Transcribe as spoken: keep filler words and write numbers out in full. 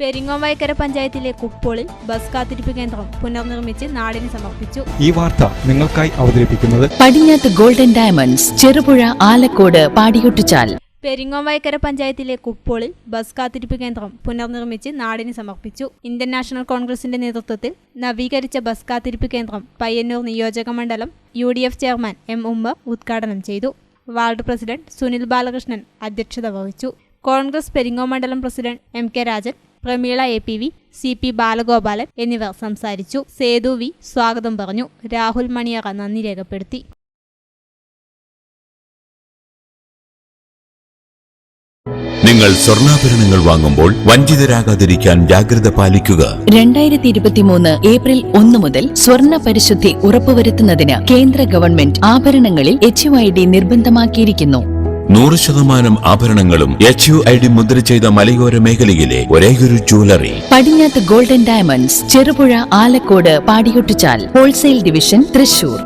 പെരിങ്ങോംവയൽക്കര പഞ്ചായത്തിലെ കുപ്പോളിൽ ബസ് കാത്തിരിപ്പ് കേന്ദ്രം പുനർനിർമ്മിച്ച് നാടിന് സമർപ്പിച്ചു. ഈ വാർത്ത നിങ്ങൾക്കായി അവതരിപ്പിക്കുന്നത് പടിഞ്ഞാത്ത് ഗോൾഡൻ ഡയമണ്ട്സ്, ചെറുപുഴ, ആലക്കോട്, പാടിയൊട്ടിച്ചാൽ. പെരിങ്ങോംവയൽക്കര പഞ്ചായത്തിലെ കുപ്പോളിൽ ബസ് കാത്തിരിപ്പ് കേന്ദ്രം പുനർനിർമ്മിച്ച് നാടിന് സമർപ്പിച്ചു. ഇന്ത്യൻ നാഷണൽ കോൺഗ്രസിന്റെ നേതൃത്വത്തിൽ നവീകരിച്ച ബസ് കാത്തിരിപ്പ് കേന്ദ്രം പയ്യന്നൂർ നിയോജക മണ്ഡലം U D F chairman M Ummer ഉദ്ഘാടനം ചെയ്തു. വാർഡ് പ്രസിഡന്റ് സുനിൽ ബാലകൃഷ്ണൻ അധ്യക്ഷത വഹിച്ചു. കോൺഗ്രസ് പെരിങ്ങോം മണ്ഡലം president M K Rajan, Pramila A P V, C P Balagopalan എന്നിവർ സംസാരിച്ചു. സേതു വി സ്വാഗതം പറഞ്ഞു. രാഹുൽ മണിയറ നന്ദി രേഖപ്പെടുത്തി. നിങ്ങൾ സ്വർണ്ണാഭരണങ്ങൾ വാങ്ങുമ്പോൾ വഞ്ചിതരാകാതിരിക്കാൻ ജാഗ്രത പാലിക്കുക. രണ്ടായിരത്തി ഇരുപത്തിമൂന്ന് ഏപ്രിൽ ഒന്ന് മുതൽ സ്വർണ്ണ പരിശുദ്ധി ഉറപ്പുവരുത്തുന്നതിന് കേന്ദ്ര ഗവൺമെന്റ് ആഭരണങ്ങളിൽ എച്ച് യു ഐ ഡി നിർബന്ധമാക്കിയിരിക്കുന്നു. നൂറ് ശതമാനം ആഭരണങ്ങളും എച്ച് യു ഐ ഡി മുദ്ര ചെയ്ത മലയോര മേഖലയിലെ ഒരേയൊരു jewellery Padinjath golden diamonds, Cherupuzha, Alakode, Padiyottichal. Wholesale division, Thrissur.